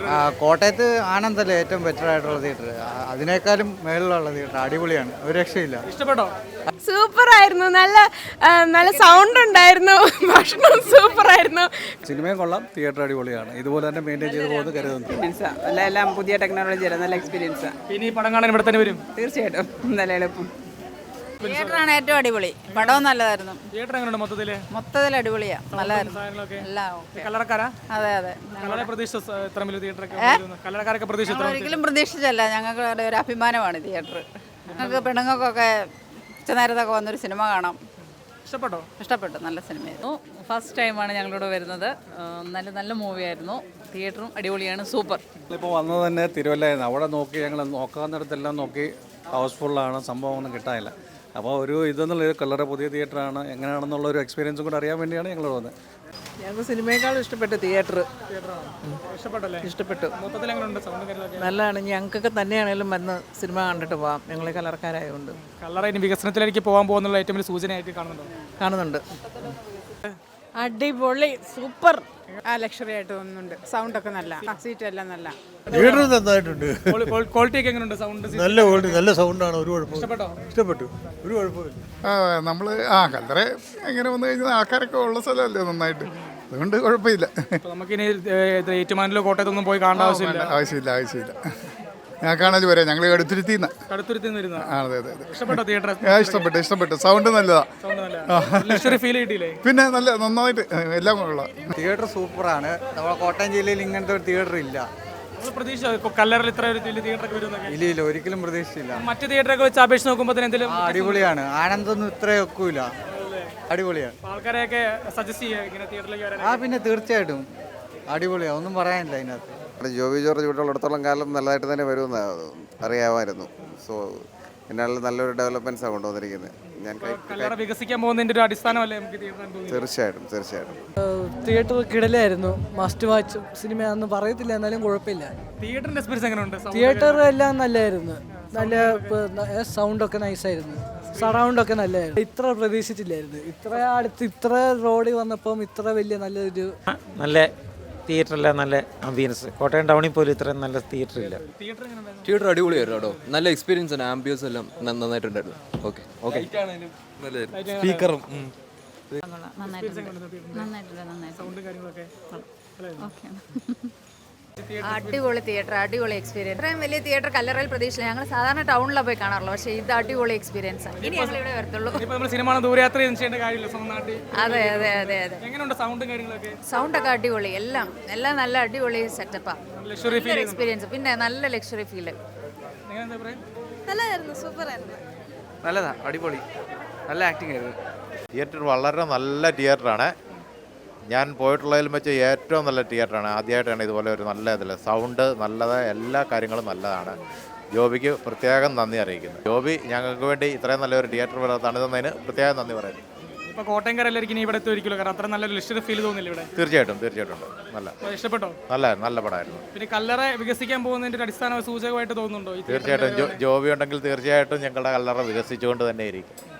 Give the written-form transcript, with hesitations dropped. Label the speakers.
Speaker 1: കോട്ടയത്ത് ആനന്ദല്ലേ ഏറ്റവും ബെറ്റർ ആയിട്ടുള്ള തിയേറ്റർ. അതിനേക്കാളും മേളിലുള്ള തിയേറ്റർ അടിപൊളിയാണ്, ഒരു രക്ഷയില്ല.
Speaker 2: ഇഷ്ടപ്പെട്ടോ?
Speaker 3: സൂപ്പർ ആയിരുന്നു. നല്ല സൗണ്ട് ഉണ്ടായിരുന്നു. ഭക്ഷണം സൂപ്പർ ആയിരുന്നു.
Speaker 4: സിനിമയും കൊള്ളാം, തിയേറ്റർ അടിപൊളിയാണ്. ഇതുപോലെ തന്നെ മെയിൻറ്റെയിൻ ചെയ്ത് പോകുന്നത് കരുതുന്നു.
Speaker 5: എല്ലാം പുതിയ ടെക്നോളജി നല്ല എക്സ്പീരിയൻസാണ്.
Speaker 2: ഇനി ഈ പടം കാണാൻ ഇവിടെ തന്നെ വരും?
Speaker 5: തീർച്ചയായിട്ടും നല്ല എളുപ്പം.
Speaker 6: തിയേറ്ററാണ് ഏറ്റവും അടിപൊളി. പടവും നല്ലതായിരുന്നു.
Speaker 2: തിയേറ്റർ എങ്ങനെയുണ്ട്
Speaker 6: മൊത്തത്തിൽ അടിപൊളിയാ, നല്ലതായിരുന്നു. എല്ലാം ഓക്കെ.
Speaker 2: കല്ലറക്കാരാ?
Speaker 6: അതെ അതെ.
Speaker 2: കല്ലറ പ്രതീക്ഷിച്ച ഇത്ര വലിയ തിയേറ്ററൊക്കെ കല്ലറക്കാരൊക്കെ പ്രതീക്ഷിച്ചു?
Speaker 6: ഒരിക്കലും പ്രതീക്ഷിച്ചല്ല. ഞങ്ങൾക്ക് ഒരു അഭിമാനമാണ് തിയേറ്റർ. ഞങ്ങൾക്ക് പെണ്ണുങ്ങൾക്കൊക്കെ ഉച്ചനേരത്തൊക്കെ വന്നൊരു സിനിമ കാണാം.
Speaker 2: ഇഷ്ടപ്പെട്ടോ?
Speaker 6: ഇഷ്ടപ്പെട്ടു, നല്ല സിനിമയായിരുന്നു.
Speaker 7: ഫസ്റ്റ് ടൈമാണ് ഞങ്ങളിവിടെ വരുന്നത്. നല്ല മൂവിയായിരുന്നു. തിയേറ്ററും അടിപൊളിയാണ്, സൂപ്പർ.
Speaker 4: ഇപ്പോൾ വന്നത് തന്നെ തിരുവല്ലായിരുന്നു. അവിടെ നോക്കി ഞങ്ങൾ നോക്കാവുന്നിടത്തെല്ലാം നോക്കി ഹൗസ്ഫുള്ളാണ്, സംഭവം ഒന്നും കിട്ടാനില്ല. അപ്പോൾ ഇതെന്നുള്ളൊരു കളറ് പുതിയ തിയേറ്ററാണ്, എങ്ങനെയാണെന്നുള്ള ഒരു എക്സ്പീരിയൻസും കൂടെ അറിയാൻ വേണ്ടിയാണ് ഞങ്ങൾ വന്നത്.
Speaker 5: ഞങ്ങൾക്ക് സിനിമയെക്കാളും ഇഷ്ടപ്പെട്ടു തിയേറ്റർ.
Speaker 2: ഇഷ്ടപ്പെട്ടല്ലേ?
Speaker 5: ഇഷ്ടപ്പെട്ടു.
Speaker 2: മൊത്തത്തിൽ എങ്ങനെയുണ്ട് സൗണ്ട് കാര്യങ്ങളൊക്കെ?
Speaker 5: നല്ലതാണ്. ഞങ്ങൾക്കൊക്കെ തന്നെയാണെങ്കിലും വന്ന് സിനിമ കണ്ടിട്ട് പോവാം. ഞങ്ങൾ കലർക്കാരായതുകൊണ്ട്.
Speaker 2: കല്ലറ ഇനി വികസനത്തിലേക്ക് പോകാൻ പോകുന്നുള്ള ഏറ്റവും വലിയ സൂചനയായിട്ട്
Speaker 5: കാണുന്നുണ്ട്.
Speaker 3: അടിപൊളി, സൂപ്പർ.
Speaker 6: ലക്ഷറി ആയിട്ട് തോന്നുന്നുണ്ട്. സൗണ്ടൊക്കെ നല്ല, സീറ്റ് എല്ലാം നല്ല.
Speaker 8: തിയേറ്റർ നന്നായിട്ടുണ്ട്.
Speaker 2: ക്വാളിറ്റി ഒക്കെ എങ്ങനെയുണ്ട്? സൗണ്ട്
Speaker 8: നല്ല ക്വാളിറ്റി, നല്ല സൗണ്ടാണ്. ഒരു കുഴപ്പം. ഇഷ്ടപ്പെട്ടു, ഒരു കുഴപ്പമില്ല.
Speaker 9: നമ്മൾ കല്ലറ എങ്ങനെ വന്നു കഴിഞ്ഞാൽ ആൾക്കാരൊക്കെ ഉള്ള സ്ഥലമല്ലേ നന്നായിട്ട്, അതുകൊണ്ട് കുഴപ്പമില്ല.
Speaker 2: നമുക്കിനി ഏറ്റുമാനൂരിലോ കോട്ടയത്തൊന്നും പോയി കാണേണ്ട
Speaker 9: ആവശ്യമില്ല. ഞാൻ കാണാൻ വരാം. ഞങ്ങൾ കടുത്തുരുത്തിന്ന്. അതെ അതെ അതെ. ഇഷ്ടപ്പെട്ടു. സൗണ്ട് നല്ലതാ. പിന്നെ നല്ല നന്നായിട്ട് എല്ലാം കൊള്ളാം.
Speaker 1: തിയേറ്റർ സൂപ്പറാണ്. നമ്മുടെ കോട്ടയം ജില്ലയിൽ ഇങ്ങനത്തെ ഒരു തിയേറ്റർ ഇല്ല.
Speaker 2: കല്ലറിൽ ഇത്ര ഒരു വലിയ തിയേറ്ററൊക്കെ വരുന്നൊക്കെ
Speaker 1: ഇല്ല, ഒരിക്കലും പ്രതീക്ഷിച്ചില്ല.
Speaker 2: മറ്റു തിയേറ്ററൊക്കെ വെച്ച് അപേക്ഷിച്ച് നോക്കുമ്പോൾ എന്തെങ്കിലും
Speaker 1: അടിപൊളിയാണ്. ആനന്ദൊന്നും ഇത്ര ഒക്കൂല, അടിപൊളിയാണ്.
Speaker 2: ആൾക്കാരെയൊക്കെ സജസ്റ്റ് ചെയ്യുക ഇങ്ങനെ തിയേറ്ററിലേക്ക് വരാൻ?
Speaker 1: പിന്നെ തീർച്ചയായിട്ടും അടിപൊളിയാണ്, ഒന്നും പറയാനില്ല അതിനകത്ത്.
Speaker 10: ജോബി ജോർജ് ഇവിടെ ഉള്ളിടത്തോളം കാലം നല്ലതായിട്ട് തന്നെ വരുമെന്ന് അറിയാമായിരുന്നു. സോ എന്നാൽ നല്ലൊരു ഡെവലപ്മെന്റ്സാണ് കൊണ്ടുവന്നിരിക്കുന്നത്.
Speaker 2: കല്ലറ വികസിക്കാൻ പോകുന്നതിന്റെ ഒരു അടിസ്ഥാനമല്ലേ നമുക്ക്
Speaker 10: തീർച്ചയായിട്ടും.
Speaker 5: തിയേറ്റർ കിടലായിരുന്നു. മസ്റ്റ് വാച്ച് സിനിമയാണെന്ന് പറയത്തില്ല, എന്നാലും കുഴപ്പമില്ല.
Speaker 2: തിയേറ്ററിന്റെ എക്സ്പീരിയൻസ് എങ്ങനെയുണ്ട്?
Speaker 5: തിയേറ്റർ എല്ലാം നല്ലതായിരുന്നു. നല്ല സൗണ്ടൊക്കെ നൈസായിരുന്നു. സറൗണ്ടൊക്കെ നല്ലതായിരുന്നു. ഇത്ര പ്രതീക്ഷിച്ചില്ലായിരുന്നു. ഇത്ര അടുത്ത് ഇത്ര റോഡിൽ വന്നപ്പം ഇത്ര വലിയ നല്ലൊരു
Speaker 11: നല്ല തിയേറ്ററല്ല, നല്ല ആംബിയൻസ്. കോട്ടയം ടൗണിൽ പോലും ഇത്രയും നല്ല തിയേറ്റർ ഇല്ല.
Speaker 12: തിയേറ്റർ അടിപൊളിയായിരുന്നു കേട്ടോ. നല്ല എക്സ്പീരിയൻസ് ആണ്. ആംബിയൻസ് എല്ലാം നന്നായിട്ടുണ്ടായിരുന്നു. ഓക്കെ സ്പീക്കറും
Speaker 6: അടിപൊളി തിയേറ്റർ, അടിപൊളി എക്സ്പീരിയൻസ്. ഇത്രയും വലിയ തിയേറ്റർ കല്ലറയിൽ പ്രതീക്ഷിച്ചില്ല. ഞങ്ങൾ സാധാരണ ടൗണിലാണ് പോയി കാണാറുള്ളൂ, പക്ഷേ ഇത് അടിപൊളി എക്സ്പീരിയൻസ് ആണ്. ഇനി ഞങ്ങൾ ഇവിടെ വരത്തുള്ളൂ.
Speaker 2: ദൂരയാത്ര ചെയ്യേണ്ട കാര്യമില്ല.
Speaker 6: അതെ അതെ അതെ അതെ.
Speaker 2: എങ്ങനെയുണ്ട് സൗണ്ടും കാര്യങ്ങളൊക്കെ?
Speaker 6: സൗണ്ടൊക്കെ അടിപൊളി, എല്ലാം നല്ല അടിപൊളി സെറ്റപ്പാണ്. എക്സ്പീരിയൻസ്, പിന്നെ നല്ല ലക്ഷറി ഫീല്.
Speaker 3: നല്ലതായിരുന്നു, സൂപ്പർ ആയിരുന്നു.
Speaker 1: നല്ലതാ, അടിപൊളി, നല്ല ആക്ടിങ് ആയിരുന്നു.
Speaker 10: തിയേറ്റർ വളരെ നല്ല തിയേറ്ററാണ്. ഞാൻ പോയിട്ടുള്ളതിലും വെച്ച് ഏറ്റവും നല്ല തിയേറ്ററാണ്. ആദ്യമായിട്ടാണ് ഇതുപോലെ ഒരു നല്ല ഇതിൽ സൗണ്ട് നല്ലത്, എല്ലാ കാര്യങ്ങളും നല്ലതാണ്. ജോബിക്ക് പ്രത്യേകം നന്ദി അറിയിക്കുന്നു. ജോബി ഞങ്ങൾക്ക് വേണ്ടി ഇത്രയും നല്ലൊരു തിയേറ്റർ തന്നതിന് പ്രത്യേകം നന്ദി പറയുന്നു.
Speaker 2: ഇപ്പോൾ കോട്ടയംകാരെല്ലാവർക്കും ഇവിടെ എത്തിയിരിക്കുമല്ലോ, കാരണം അത്ര നല്ലൊരു ലക്ഷറി ഫീൽ തോന്നില്ല ഇവിടെ?
Speaker 10: തീർച്ചയായിട്ടും നല്ല
Speaker 2: ഇഷ്ടപ്പെട്ടോ?
Speaker 10: നല്ല പടമായിരുന്നു.
Speaker 2: പിന്നെ കല്ലറ വികസിക്കാൻ പോകുന്നതിൻ്റെ അടിസ്ഥാന സൂചകമായിട്ട് തോന്നുന്നുണ്ടോ?
Speaker 10: തീർച്ചയായിട്ടും ജോബി ഉണ്ടെങ്കിൽ തീർച്ചയായിട്ടും ഞങ്ങളുടെ കല്ലറ വികസിച്ചുകൊണ്ട് തന്നെ ഇരിക്കും.